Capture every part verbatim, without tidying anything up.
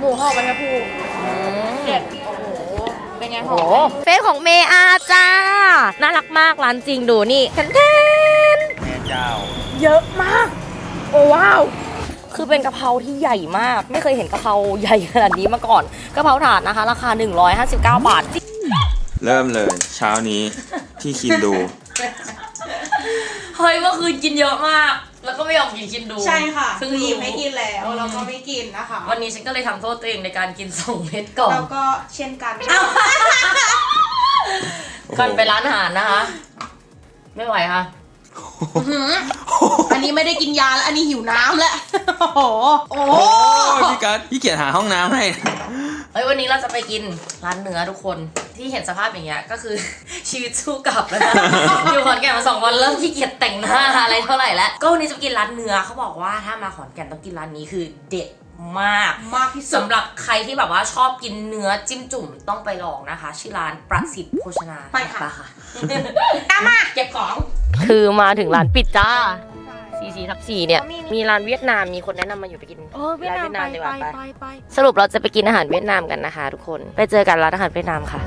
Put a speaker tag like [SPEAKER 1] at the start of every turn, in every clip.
[SPEAKER 1] หมูห่อใบชะพูเด็ดโอ้โหเป็นไงหอม
[SPEAKER 2] เฟซของเมอาจ้าน่ารักมากร้านจริงดูนี่แทนแทน
[SPEAKER 3] แม่เจ้า
[SPEAKER 1] เยอะมากโอ้ว้าว
[SPEAKER 2] คือเป็นกะเพราที่ใหญ่มากไม่เคยเห็นกะเพราใหญ่ขนาดนี้มาก่อนกะเพราถาดนะคะราคาหนึ่งร้อยห้าสิบเก้าบาท
[SPEAKER 3] เริ่มเลยเช้านี้ที่คินดู
[SPEAKER 2] เฮ้ยเมื่อคืนกินเยอะมากแล้วก็ไม่ยอมกินคินดู
[SPEAKER 1] ใช่ค่ะซึ่งหยิบไม่กินแล้วเราก็ไม่กินนะคะ
[SPEAKER 2] วันนี้ฉันก็เลยทำโทษตัวเองในการกินสองเม็ดก่อน
[SPEAKER 1] แล้วก็เช่นกัน
[SPEAKER 2] ก่อนไปร้านอาหารนะคะไม่ไหวค่ะ
[SPEAKER 1] อันนี้ไม่ได้กินยาแล้วอันนี้หิวน้ำแล้วโอ้โหโอ้
[SPEAKER 3] พี่กัสพี่เกียรติหาห้องน้ำให้
[SPEAKER 2] เฮ้ยวันนี้เราจะไปกินร้านเนื้อทุกคนที่เห็นสภาพอย่างเงี้ยก็คือชีวิตสู้กลับแล้วนะอยู่ขอนแก่นมาสองวันเริ่มขี้เกียจแต่งหน้าอะไรเท่าไหร่แล้วก็วันนี้จะกินร้านเนื้อเขาบอกว่าถ้ามาขอนแก่นต้องกินร้านนี้คือเด็ดมาก
[SPEAKER 1] มากที่สุด
[SPEAKER 2] สำหรับใครที่แบบว่าชอบกินเนื้อจิ้มจุ่มต้องไปลองนะคะชื่อร้านประสิทธิ์โภชนา
[SPEAKER 1] ไปค่ะ
[SPEAKER 2] ค่ะ
[SPEAKER 1] ตามมาเก็บของ
[SPEAKER 2] คือมาถึงร้านปิดจ้าซีซีทับสี่เนี่ยมีร้านเวียดนามมีคนแนะนำมาอยู่ไปกินร้านเวียดนามดีกว่าไปสรุปเราจะไปกินอาหารเวียดนามกันนะคะทุกคนไปเจอกันร้านอาหารเวียดนามค่ะ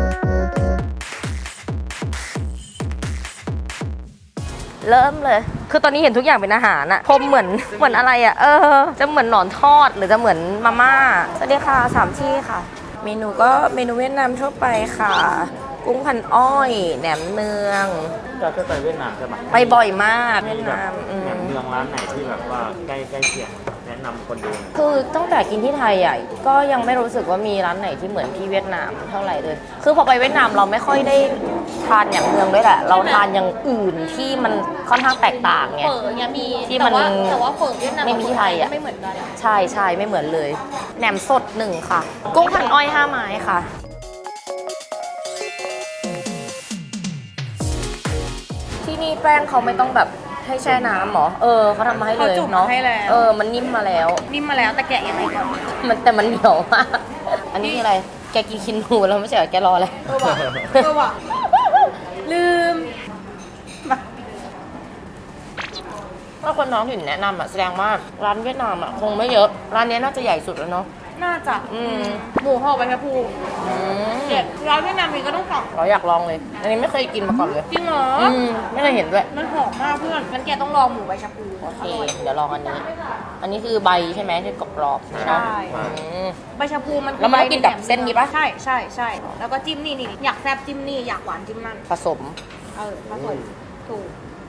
[SPEAKER 2] เริ่มเลยคือตอนนี้เห็นทุกอย่างเป็นอาหารอะพรมเหมือนเหมือนอะไรอะเออจะเหมือนหนอนทอดหรือจะเหมือนมาม่าสวัสดีค่ะสามที่ค่ะเมนูก็เมนูเวียดนามทั่วไปค่ะกุ้งพันอ้อยแหนมเนือง
[SPEAKER 3] เราเคยไปเวียดนามใช่ไหม
[SPEAKER 2] ไปบ่อยมากเวียดนาม
[SPEAKER 3] แหนมเนืองร้านไหนที่แบบว่าใกล้ใกล้เคียงแนะนำคนดู
[SPEAKER 2] คือตั้งแต่กินที่ไทยอ่ะก็ยังไม่รู้สึกว่ามีร้านไหนที่เหมือนที่เวียดนามเท่าไหร่เลยคือพอไปเวียดนามเราไม่ค่อยได้ทานอย่างเมืองด้วยแหละเราทานอย่างอื่นที่มันค่อนข้างแตกต่างไง
[SPEAKER 1] เฝอเนี่ยมี
[SPEAKER 2] ที่มัน
[SPEAKER 1] แต่ว่าเฝอเวียดนาม
[SPEAKER 2] ไม่มีที่ไทยอ่ะ
[SPEAKER 1] ไม่เหมือนกัน
[SPEAKER 2] ใช่ใช่ไม่เหมือนเลยแหนมสดหนึ่งค่ะกุ้งพันอ้อยห้าไม้ค่ะที่นี่แป้งเขาไม่ต้องแบบให้แช่น้ำหรอเออเขาทำมาให้เลยเนาะเออมันนิ่มมาแล้ว
[SPEAKER 1] นิ่มมาแล้วแต่แกะยังไงก่อน
[SPEAKER 2] มันแต่มันเหนียวมากอันนี้คืออะไรแกกินคินนูแล้วไม่ใช่เหรอแกรออะไร
[SPEAKER 1] เออว่ะเออว่ะลืม
[SPEAKER 2] ถ้าคนท้องถิ่นแนะนำอ่ะแสดงว่าร้านเวียดนามอ่ะคงไม่เยอะร้านนี้น่าจะใหญ่สุดแล้วเนาะ
[SPEAKER 1] น่าจะหมูห่อใบชะพูเด็ดร้านเวียดนามมีก็ต้องสั่ง
[SPEAKER 2] เราอยากลองเลยอันนี้ไม่เคยกินมาก่อนเลย
[SPEAKER 1] จริงเหรอ
[SPEAKER 2] ไม่เคยเห็นด้วย
[SPEAKER 1] มันหอมมากเพื่อนงั้นแกต้องลองหมูใบชะพู
[SPEAKER 2] โอเคเดี๋ยวลองอันนี้อันนี้คือใบใช่ไหมที่กรอบ
[SPEAKER 1] ใช่ใบชะพูมัน
[SPEAKER 2] แล้วมันกินกับเส้นนี้ปะ
[SPEAKER 1] ใช่ใช่ใช่แล้วก็จิ้มนี่นี่อยากแซ่บจิ้มนี่อยากหวานจิ้มนั่น
[SPEAKER 2] ผสม
[SPEAKER 1] เออผสมถูก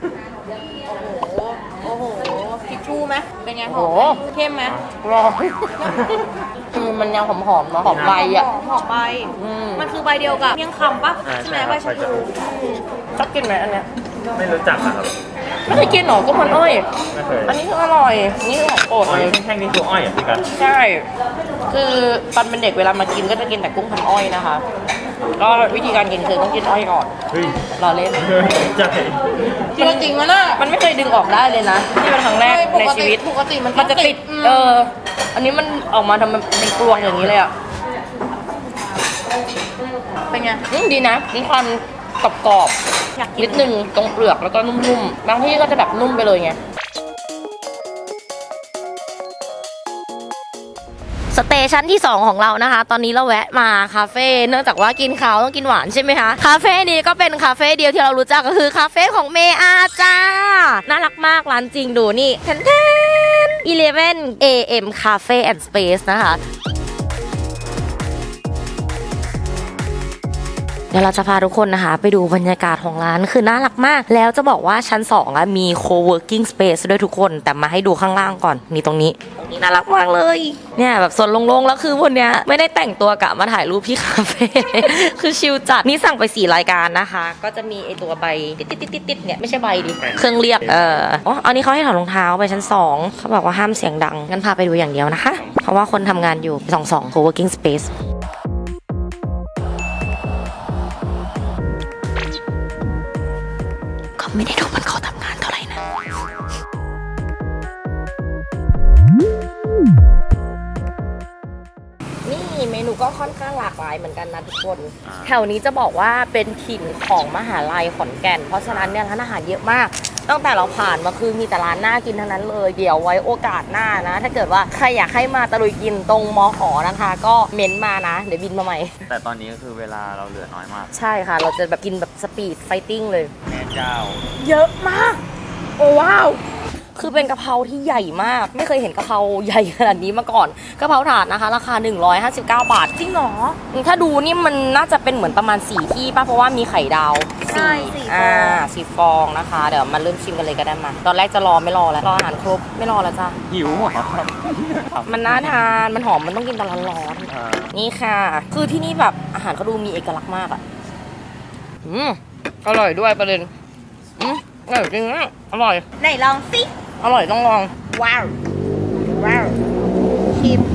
[SPEAKER 1] โอ้โหโอ้โหทิชชู่ไหมเป็นไงหอมเข้มไหม
[SPEAKER 2] ร้อนคือมันยังหอมๆเนาะหอมใบอ่ะ
[SPEAKER 1] หอมใบมันคือใบเดียวกับเมี่ยงคำปะใช่ไหมใบชะพู
[SPEAKER 2] ชอบกินไหมอันเนี้ย
[SPEAKER 3] ไม่รู้จักครับ
[SPEAKER 2] ไม่เคยกินหรอก็มันอ้อยไม่เคยอันนี้คืออร่อยนี่คือของโปรดเลย
[SPEAKER 3] แท่งนี้คืออ้อยอ่ะพี่กัน
[SPEAKER 2] ใช่คือตอนเป็นเด็กเวลามากินก็จะกินแต่กุ้งพันอ้อยนะคะก็วิธีการกินคือต้องกินอ้อยก่อนรอเล่น
[SPEAKER 3] ใช่
[SPEAKER 1] จริงจริงมันน่ะ
[SPEAKER 2] มันไม่เคยดึงออกได้เลยนะนี่เป็นครั้งแรกในชีวิต
[SPEAKER 1] ปกติมัน
[SPEAKER 2] มันจะติดเอออันนี้มันออกมาทำเป็นกลวงอย่างนี้เลยอ่ะ
[SPEAKER 1] เป็นไง
[SPEAKER 2] ดีนะมีความกรอบๆนิดนึงตรงเปลือกแล้วก็นุ่มๆบางที่ก็จะแบบนุ่มไปเลยไงสเตชันที่สองของเรานะคะตอนนี้เราแวะมาคาเฟ่เนื่องจากว่ากินข้าวต้องกินหวานใช่ไหมคะคาเฟ่นี้ก็เป็นคาเฟ่เดียวที่เรารู้จักก็คือคาเฟ่ของเมอาจ้าน่ารักมากร้านจริงดูนี่แทนแทนอีเลฟเว่น เอ เอ็ม Cafe and Space นะคะเดี๋ยวเราจะพาทุกคนนะคะไปดูบรรยากาศของร้านคือน่ารักมากแล้วจะบอกว่าชั้นสองอะมี co-working space ด้วยทุกคนแต่มาให้ดูข้างล่างก่อนนี่ตรงนี้ตรงนี้น่ารักมากเลยเนี่ยแบบส่วนโล่งๆแล้วคือวันเนี้ยไม่ได้แต่งตัวกะมาถ่ายรูปที่คาเฟ่คือชิลจัดนี่สั่งไปสี่รายการนะคะก็จะมีไอตัวใบติดๆๆๆเนี่ยไม่ใช่ใบดิเครื่องเรียกเอออ๋ออันนี้เขาให้ถอดรองเท้าไปชั้นสองเขาบอกว่าห้ามเสียงดังงั้นพาไปดูอย่างเดียวนะคะเพราะว่าคนทำงานอยู่สองสอง co-working spaceไม่ได้ดูมันเขาทำงานเท่าไหร่นะนี่เมนูก็ค่อนข้างหลากหลายเหมือนกันนะทุกคนแถวนี้จะบอกว่าเป็นถิ่นของมหาลัยขอนแก่นเพราะฉะนั้นเนี่ยร้านอาหารเยอะมากตั้งแต่เราผ่านมาคือมีแต่ร้านน่ากินทั้งนั้นเลยเดี๋ยวไว้โอกาสหน้านะ ถ้าเกิดว่าใครอยากให้มาตะลุยกินตรงมอขอนะคะ ก็เม้นต์มานะเดี๋ยวบินมาใหม่
[SPEAKER 3] แต่ตอนนี้ก็คือเวลาเราเหลือน้อยมาก
[SPEAKER 2] ใช่ค่ะ เราจะแบบกินแบบสปีดไฟติ้งเลย
[SPEAKER 3] แม่เจ้า
[SPEAKER 1] เยอะมาก โอ้ว้าว
[SPEAKER 2] คือเป็นกะเพราที่ใหญ่มาก ไม่เคยเห็นกะเพราใหญ่ขนาดนี้มาก่อนกะเพราถาดนะคะ ราคาหนึ่งร้อยห้าสิบเก้าบาท
[SPEAKER 1] จริงเหรอ
[SPEAKER 2] ถ้าดูนี่มันน่าจะเป็นเหมือนประมาณสี่ที่ป่ะเพราะว่ามีไข่ดาว
[SPEAKER 1] ใช่สี่ฟอง
[SPEAKER 2] อ่าสี่ฟองนะคะ เดี๋ยวมาเริ่มชิมกันเลยก็ได้มาตอนแรกจะรอไม่รอแล้วรออาหารครบไม่รอแล้วจ้ะ
[SPEAKER 3] หิวเหรอครับ
[SPEAKER 2] มันน่าทานมันหอมมันต้องกินตอนร้อน
[SPEAKER 3] อ่า
[SPEAKER 2] ๆนี่ค่ะ คือที่นี่แบบอาหารเขาดูมีเอกลักษณ์มากอ่ะอืมอร่อยด้วยประเด็นอืมอร่อยจริงนะอร่อย
[SPEAKER 1] ไหนลองสิ
[SPEAKER 2] อร่อยต้องลอง
[SPEAKER 1] ว้าว ว้าวชิม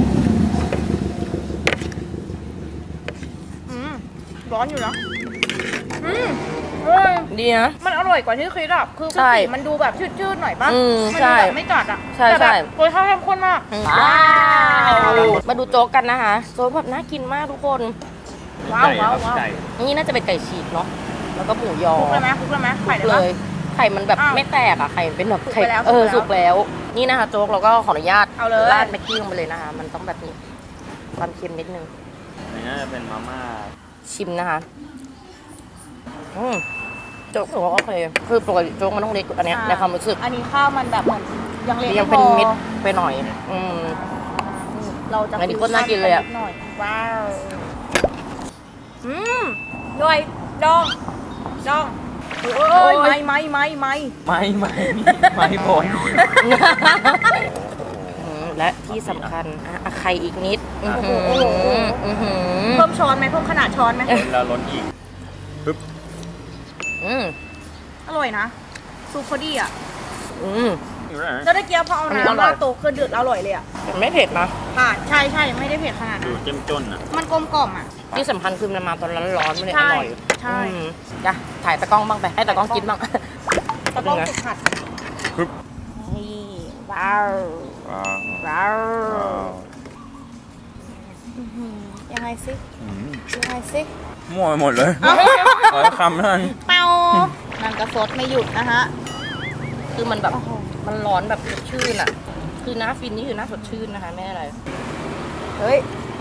[SPEAKER 1] อืมร้อนอยู่นะอืมเฮ้ย
[SPEAKER 2] ดีนะ
[SPEAKER 1] มันอร่อยกว่าที่คิดอ่ะ คือป
[SPEAKER 2] ใช่
[SPEAKER 1] กติมันดูแบบชืดๆหน่อยป่ะ
[SPEAKER 2] อืม
[SPEAKER 1] มั
[SPEAKER 2] ใช่
[SPEAKER 1] ดูแบบไม่จัดอ่ะ
[SPEAKER 2] ใช่
[SPEAKER 1] แต่แบบ
[SPEAKER 2] ใช่
[SPEAKER 1] รสชาติเข้มข้นมาก
[SPEAKER 2] ว้าว มาดูโจ๊กกันนะคะ โจ๊กแบบน่ากินมากทุกคน
[SPEAKER 1] ว้าว
[SPEAKER 3] ไก่
[SPEAKER 1] ว้าว
[SPEAKER 3] ครับ
[SPEAKER 1] ว้าว
[SPEAKER 3] ไก่
[SPEAKER 2] นี่น่าจะเป็นไก่ฉีกเนาะ แล้วก็หมูยอ
[SPEAKER 1] คลุกเลยไหมคลุกเลยไหมไข่ได้
[SPEAKER 2] เล
[SPEAKER 1] ปะ
[SPEAKER 2] ย ไข่มันแบบ
[SPEAKER 1] อ้าว
[SPEAKER 2] ไม่แตกอะไข่มันเป็นแบบ
[SPEAKER 1] สุก
[SPEAKER 2] ไข่
[SPEAKER 1] ไปแล้ว
[SPEAKER 2] เออ
[SPEAKER 1] สุ
[SPEAKER 2] สุ
[SPEAKER 1] ก
[SPEAKER 2] ก
[SPEAKER 1] ไปแล้ว
[SPEAKER 2] แล้ว นี่นะคะโจ๊กเราก็ขออนุญาต
[SPEAKER 1] เอาเลย
[SPEAKER 2] ราดแม็กกี้ลงไปเลยนะคะ มันต้องแบบนี้ ความเค็มนิดนึง
[SPEAKER 3] อันนี้น่าจะเป็นมาม่า
[SPEAKER 2] ชิมนะคะ อืมโจ๊กถือว่าโอเค คือปกติโจ๊กมันต้องเล็กกว่าอันเนี้ยในความรู้สึก
[SPEAKER 1] อันนี้ข้าวมันแบบเหมือนยังเล็ก
[SPEAKER 2] ยังเป็น
[SPEAKER 1] ไพอ
[SPEAKER 2] เม็ดไปหน่อย อืม
[SPEAKER 1] เราจะ
[SPEAKER 2] อันนี้ก็น่ากินเลยอะ
[SPEAKER 1] ดหน่อยว้าว อืมด้วยดองดองโอ้ยไม่ไม่ไม่ไม่
[SPEAKER 3] ไม่ไม่ไม่ผล
[SPEAKER 2] อืมและที่สำคัญอ่ะอ่ะไข่อีกนิด อื้อ
[SPEAKER 1] โอ้
[SPEAKER 2] หื
[SPEAKER 1] โห
[SPEAKER 2] อ
[SPEAKER 1] โอ้โห
[SPEAKER 2] อื้อหือ
[SPEAKER 1] เพิ่มช้อนไหมเพิ่มขนาดช้อนไหม
[SPEAKER 3] แล้วล้นอีกปึ๊บ
[SPEAKER 2] อืม
[SPEAKER 1] อร่อยนะซุปพอดีอ่ะ
[SPEAKER 2] อืม
[SPEAKER 3] อยู่ไหน
[SPEAKER 1] แล้วตะเกียบพอเอา
[SPEAKER 2] อันนี้อร่
[SPEAKER 1] น้ำ
[SPEAKER 2] อย
[SPEAKER 1] ราดโต๊ะคือเดือดอร่อยเลยอ่ะ
[SPEAKER 2] แต่ไม่เผ็ดนะ
[SPEAKER 1] ผ่านใช่ใช่ไม่ได้เผ็ดขนาด
[SPEAKER 3] ดู
[SPEAKER 1] นั้น
[SPEAKER 3] เจ้มจนอ่ะ
[SPEAKER 1] มันกลมกล่อมอ่ะ
[SPEAKER 2] ที่สำคัญคือมันมาตอนร้อนๆมันเลย
[SPEAKER 1] ใช่
[SPEAKER 2] อร่อย
[SPEAKER 1] ใช่
[SPEAKER 2] อืมจ้ะถ่ายตะกล้องบ้างไป ให้ตะกล้องกินบ้าง
[SPEAKER 1] แล้วก็ฝึกผัด
[SPEAKER 3] ปึ๊บ
[SPEAKER 1] นี่ว้าว
[SPEAKER 3] ว้าว
[SPEAKER 1] ว้าว
[SPEAKER 3] ว้าว
[SPEAKER 1] อื้อหือยังไงสิ
[SPEAKER 3] อืม
[SPEAKER 1] ยังไงสิ
[SPEAKER 3] มั่วไปหมดเลยขอคำนั้น
[SPEAKER 1] เป่านั่นก็สดไม่หยุดนะฮะ
[SPEAKER 2] คือมันแบบ
[SPEAKER 1] โอ้โห
[SPEAKER 2] มันร้อนแบบสดชื่นอ่ะ คือหน้าฟินนี่คือหน้าสดชื่นนะคะไม่อะไร
[SPEAKER 1] เฮ้ย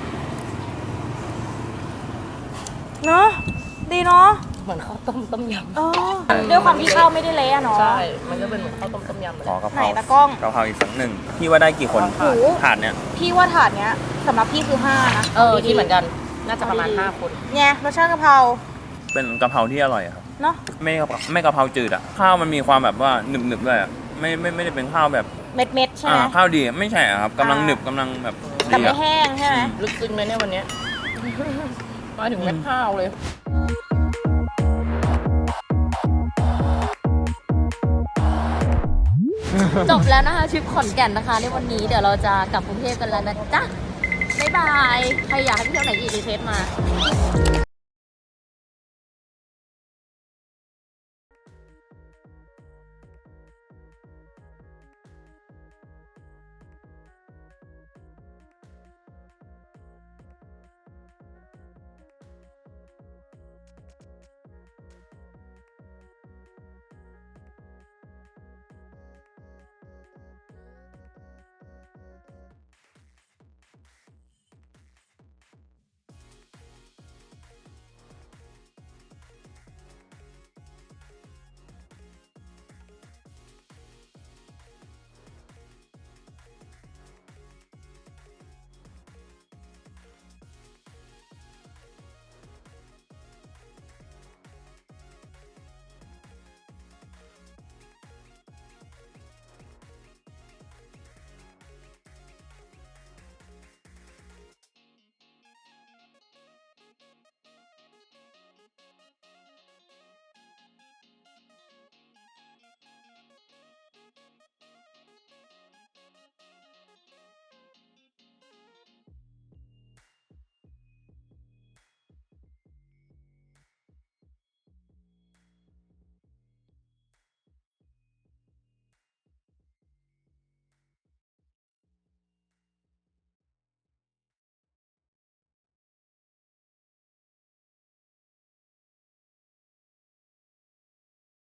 [SPEAKER 1] เนาะดีเนาะ
[SPEAKER 2] เหมือนข้าวต้มต้มย
[SPEAKER 1] เออด้วยความที่ข้าวไม่ได้เละอะ
[SPEAKER 2] ำ
[SPEAKER 1] เนาะ
[SPEAKER 2] ใช่ มันก็เป็นเหมือนข้าวต้มต้มยำเลย
[SPEAKER 3] ขอกะเพ
[SPEAKER 1] ไหน
[SPEAKER 3] รา
[SPEAKER 1] ตะกล้อง
[SPEAKER 3] กะเพราอีกสักหนึ่งพี่ว่าได้กี่คน
[SPEAKER 1] โอ้โห
[SPEAKER 3] ถาดเนี้ย
[SPEAKER 1] พี่ว่าถาดเนี้ยสำหรับพี่คือห้านะ
[SPEAKER 2] เออที่เหมือนกัน น่าจะประมาณห้าคน
[SPEAKER 1] เนี่ยรสชาติกะเพรา
[SPEAKER 3] เป็นกะเพราที่อร่อยอะครับ
[SPEAKER 1] เนาะ
[SPEAKER 3] ไม่กะเพราไม่กะเพราจืดอ่ะ ข้าวมันมีความแบบว่าหนึบหนึบๆด้วยอ่ะ ไม่ไม่ไม่ได้เป็นข้าวแบบ
[SPEAKER 1] เม็ดเม็ดๆใช่ไหม
[SPEAKER 3] อ่าข้าวดีไม่ใช่อะครับกำลัง
[SPEAKER 1] อ่า
[SPEAKER 3] หนึบกำลังแบบ
[SPEAKER 1] แต่
[SPEAKER 3] ดี
[SPEAKER 1] ไม่
[SPEAKER 3] อ่ะ
[SPEAKER 1] แห้งใช่ไหม
[SPEAKER 2] ลึกซึ้งเลยเนี่ยวันเนี้ย มาถึงเม็ดข้าวเลย จบแล้วนะคะทริปขอนแก่นนะคะในวันนี้เดี๋ยวเราจะกลับกรุงเทพกันแล้วนะจ๊ะ บ๊ายบาย ใครอยากให้ไปเที่ยวไหนอีกรีเควสต์มา